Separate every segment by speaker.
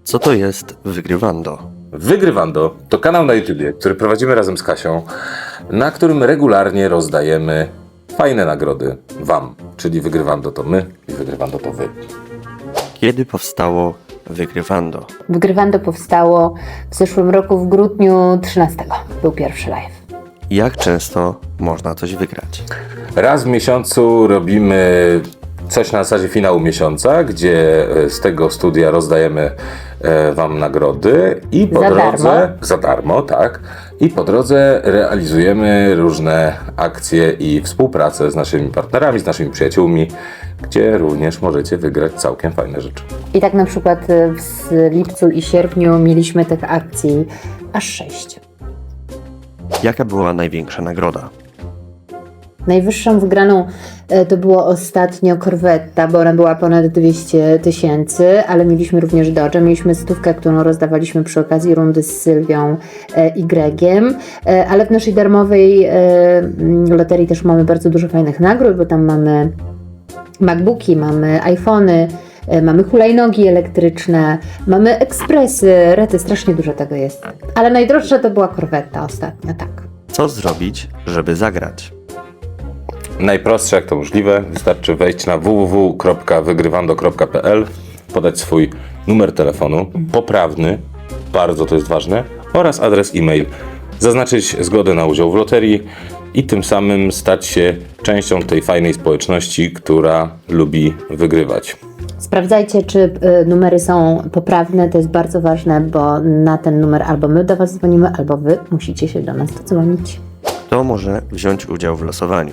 Speaker 1: Co to jest Wygrywando?
Speaker 2: Wygrywando to kanał na YouTubie, który prowadzimy razem z Kasią, na którym regularnie rozdajemy fajne nagrody Wam. Czyli Wygrywando to my i Wygrywando to Wy.
Speaker 1: Kiedy powstało Wygrywando?
Speaker 3: Wygrywando powstało w zeszłym roku w grudniu 13. Był pierwszy live.
Speaker 1: Jak często można coś wygrać?
Speaker 2: Raz w miesiącu robimy coś na zasadzie finału miesiąca, gdzie z tego studia rozdajemy Wam nagrody i po drodze... Za darmo, tak. I po drodze realizujemy różne akcje i współpracę z naszymi partnerami, z naszymi przyjaciółmi, gdzie również możecie wygrać całkiem fajne rzeczy.
Speaker 3: I tak na przykład w lipcu i sierpniu mieliśmy tych akcji aż 6.
Speaker 1: Jaka była największa nagroda?
Speaker 3: Najwyższą wygraną to było ostatnio Corvetta, bo ona była ponad 200 000, ale mieliśmy również Dodge. Mieliśmy 100, którą rozdawaliśmy przy okazji rundy z Sylwią i Gregiem, ale w naszej darmowej loterii też mamy bardzo dużo fajnych nagród, bo tam mamy MacBooki, mamy iPhony, mamy hulajnogi elektryczne, mamy ekspresy, rety, strasznie dużo tego jest. Ale najdroższa to była Corvetta ostatnio, tak.
Speaker 1: Co zrobić, żeby zagrać?
Speaker 2: Najprostsze jak to możliwe, wystarczy wejść na www.wygrywando.pl, podać swój numer telefonu, poprawny, bardzo to jest ważne, oraz adres e-mail, zaznaczyć zgodę na udział w loterii i tym samym stać się częścią tej fajnej społeczności, która lubi wygrywać.
Speaker 3: Sprawdzajcie, czy numery są poprawne, to jest bardzo ważne, bo na ten numer albo my do Was dzwonimy, albo Wy musicie się do nas dodzwonić.
Speaker 1: Kto może wziąć udział w losowaniu?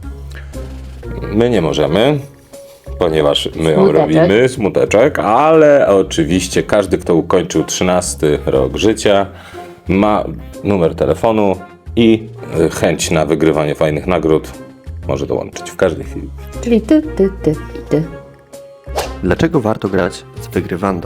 Speaker 2: My nie możemy, ponieważ my ją
Speaker 3: Smuteczek.
Speaker 2: robimy, smuteczek, ale oczywiście każdy, kto ukończył 13 rok życia, ma numer telefonu i chęć na wygrywanie fajnych nagród może dołączyć w każdej chwili.
Speaker 3: Czyli ty i ty.
Speaker 1: Dlaczego warto grać z Wygrywando?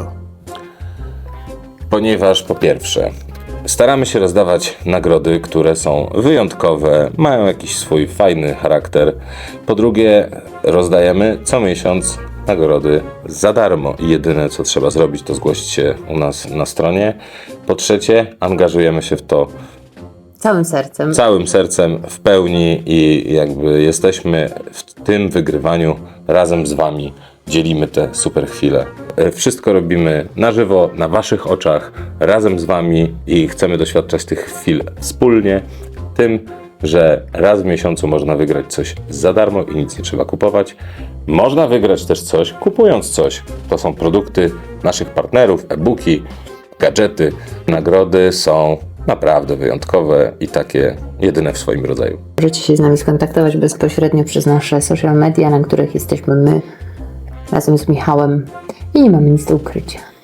Speaker 2: Ponieważ po pierwsze, staramy się rozdawać nagrody, które są wyjątkowe, mają jakiś swój fajny charakter. Po drugie, rozdajemy co miesiąc nagrody za darmo i jedyne co trzeba zrobić, to zgłosić się u nas na stronie. Po trzecie, angażujemy się w to
Speaker 3: Całym sercem.
Speaker 2: w pełni i jakby jesteśmy w tym wygrywaniu razem z Wami. Dzielimy te super chwile. Wszystko robimy na żywo, na Waszych oczach, razem z Wami i chcemy doświadczać tych chwil wspólnie. Tym, że raz w miesiącu można wygrać coś za darmo i nic nie trzeba kupować. Można wygrać też coś, kupując coś. To są produkty naszych partnerów, e-booki, gadżety. Nagrody są naprawdę wyjątkowe i takie jedyne w swoim rodzaju.
Speaker 3: Możecie się z nami skontaktować bezpośrednio przez nasze social media, na których jesteśmy my razem z Michałem i nie mamy nic do ukrycia.